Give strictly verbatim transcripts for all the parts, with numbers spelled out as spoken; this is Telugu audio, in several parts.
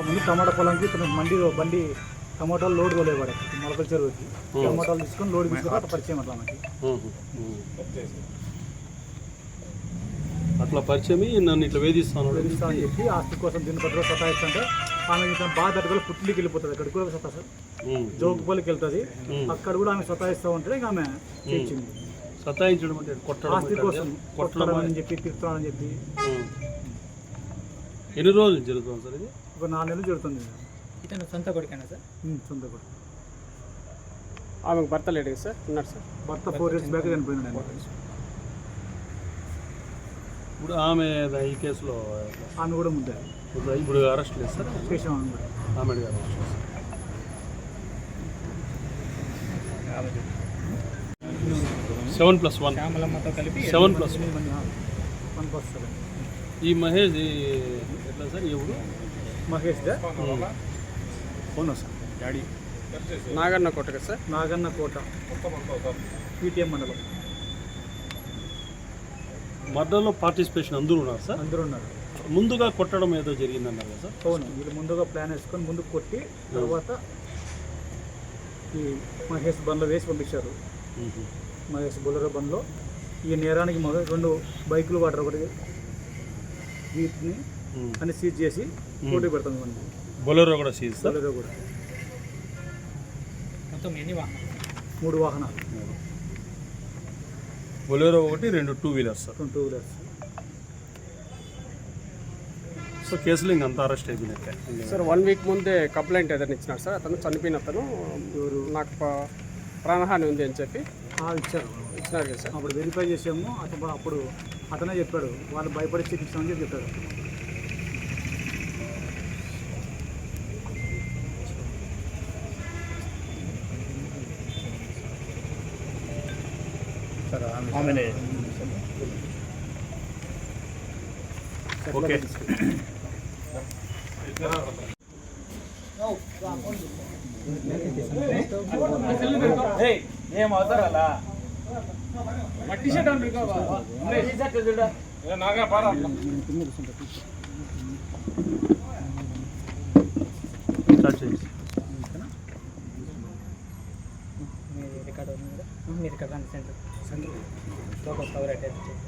ముందు టమాటా పొలంకి తన మండి బండి టమాటాలు లోడ్ తోలేవాడు మొలకల చెరువుకి టమాటాలు తీసుకొని లోడ్ తీసుకొని అట్లా పరిచయం అట్లా మనకి అట్లా పరిచయం నన్ను ఇట్లా వేధిస్తాను వేధిస్తా అని చెప్పి ఆస్తి కోసం దీని పట్టులో సతాయిస్తుంటే ఆమె ఇతను బాగా తట్టుకొని పుట్టికి వెళ్ళిపోతుంది అక్కడ కూడా సతా సార్ జోగుపల్లికి వెళ్తుంది అక్కడ కూడా ఆమె సతాయిస్తూ ఉంటే ఇంకా ఆమె చేయించింది. సతాయించడం అంటే కొట్టడం ఆస్తి కోసం కొట్టడం అని చెప్పి తిరుగుతామని చెప్పి. ఎన్ని రోజులు జరుగుతుంది సార్ ఇది? ఒక నాలుగు నెలలు జరుగుతుంది. ఇతను సొంత కొడుకేనా సార్? సొంత కొడుకు. ఆమెకు భర్త లేడు కదా సార్? ఉన్నాడు సార్. భర్త ఫోర్ ఇయర్స్ బ్యాక్ చనిపోయింది. ఇప్పుడు ఆమె ఈ కేసులో ఆమె కూడా ముందే ఇప్పుడు అరెస్ట్ లేదు సార్? చేసాం. ఆమె అరెస్ట్ సెవెన్ ప్లస్ వన్ కలిపి seven plus one plus seven. ఈ మహేష్ ఎట్లా సార్? ఎవరు మహేష్ అవునా సార్? డాడీ నాగన్న కోట కదా సార్? నాగన్న కోట పీటీఎం మండలం. మర్డర్లో పార్టిసిపేషన్ అందరూ ఉన్నారు సార్? అందరూ ఉన్నారు. ముందుగా కొట్టడం ఏదో జరిగిందన్నారు కదా సార్? అవును, వీళ్ళు ముందుగా ప్లాన్ వేసుకొని ముందు కొట్టి తర్వాత ఈ మహేష్ బండ్లో వేసి పంపించారు. మహేష్ బొలెరో బండ్లో ఈ నేరానికి మొదలు రెండు బైకులు వాటర్ ఒకటి వీటిని అని సీజ్ చేసి పోటీ పెడుతుంది. మనకి బొలెరో కూడా సీజ్. బొలెరో కూడా మొత్తం ఎన్ని వాహనాలు? మూడు వాహనాలు. బొలెరో ఒకటి, రెండు two wheelers sir. Two wheelers. So కేసులో ఇంకంతా అరెస్ట్ అయిపోయినట్టే సార్. వన్ వీక్ ముందే కంప్లైంట్ ఏదైనా ఇచ్చినారు సార్? అతను చనిపోయిన అతను నాకు ప్రాణహాని ఉంది అని చెప్పి ఇచ్చారు ఇచ్చినారు కదా సార్? అప్పుడు వెరిఫై చేసాము. అతను అప్పుడు అతనే చెప్పాడు వాళ్ళు భయపడి చికిత్సని చెప్పి చెప్పాడు. ఓకే. ఏం అవుతారా మట్టి షర్ట్ రికార్డు ఉంది కదా మీరు ఇక్కడ రండి centre centre local cover attach చేసి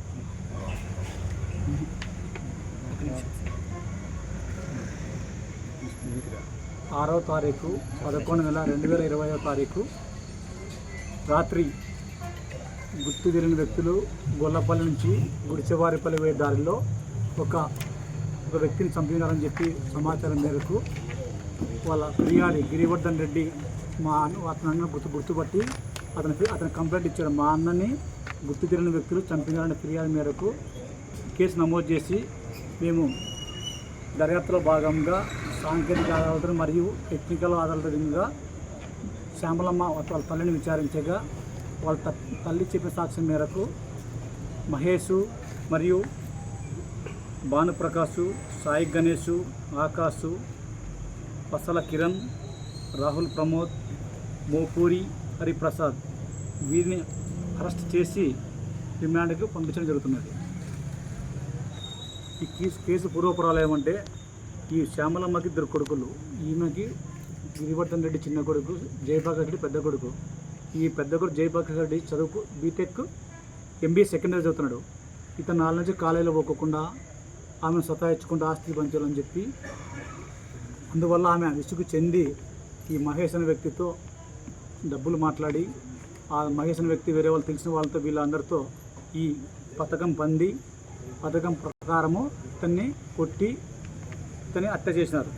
ఆరో తారీఖు పదకొండు నెల రెండు వేల ఇరవైవ తారీఖు రాత్రి గుర్తు తెలియని వ్యక్తులు గొల్లపల్లి నుంచి గుడిచెవారిపల్లి పోయే దారిలో ఒక ఒక వ్యక్తిని చంపినారని చెప్పి సమాచారం మేరకు వాళ్ళ ఫిర్యాది గిరివర్ధన్ రెడ్డి మా అన్న అతని అన్న గుర్తు గుర్తుపట్టి అతని అతని కంప్లైంట్ ఇచ్చాడు. మా అన్నని గుర్తు తెలియని వ్యక్తులు చంపినారనే ఫిర్యాదు మేరకు కేసు నమోదు చేసి మేము దర్యాప్తులో భాగంగా సాంకేతిక ఆధారాలతో మరియు టెక్నికల్ ఆధారాలతో శ్యామలమ్మ వాళ్ళ తల్లిని విచారించగా వాళ్ళ తల్లి చెప్పిన సాక్ష్యం మేరకు మహేషు మరియు భానుప్రకాషు, సాయి గణేషు, ఆకాశు, పసల కిరణ్, రాహుల్ ప్రమోద్, మోపూరి హరిప్రసాద్ వీరిని అరెస్ట్ చేసి రిమాండ్కు పంపించడం జరుగుతున్నది. ఈ కేసు కేసు పూర్వపురాలు ఏమంటే ఈ శ్యామలమ్మకి ఇద్దరు కొడుకులు, ఈమెకి గిరివర్ధన్ రెడ్డి చిన్న కొడుకు, జయప్రకాష్ రెడ్డి పెద్ద కొడుకు. ఈ పెద్ద కొడుకు జయప్రకాష్ రెడ్డి చదువుకు బీటెక్ ఎంబీఏ సెకండ్ ఇయర్ చదువుతున్నాడు. ఇతను నాలుగు నుంచి కాలేజీలో పోకుండా ఆమెను సతాయించుకుంటూ ఆస్తి పంచాలని చెప్పి అందువల్ల ఆమె విసుగు చెంది ఈ మహేష్ అనే వ్యక్తితో డబ్బులు మాట్లాడి ఆ మహేష్ అనే వ్యక్తి వేరే వాళ్ళు తెలిసిన వాళ్ళతో వీళ్ళందరితో ఈ పథకం పంది పథకం ప్రకారము ఇతన్ని కొట్టి ఇతన్ని హత్య చేసినారు.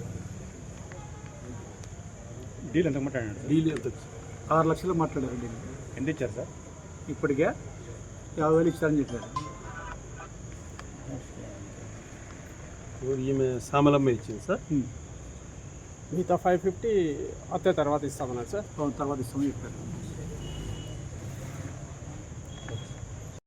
డీల్ ఎంత మాట్లాడారు? డీల్ ఎంత? ఆరు లక్షలు మాట్లాడారు. డీల్ ఎంత ఇచ్చారు సార్? ఇప్పటికే యాభై వేలు ఇచ్చారని చెప్పారు. ఈమె శ్యామలమ్మ ఇచ్చింది సార్. మిగతా ఫైవ్ ఫిఫ్టీ అత్తే తర్వాత ఇస్తామన్నారు సార్. తర్వాత ఇస్తామని చెప్పారు.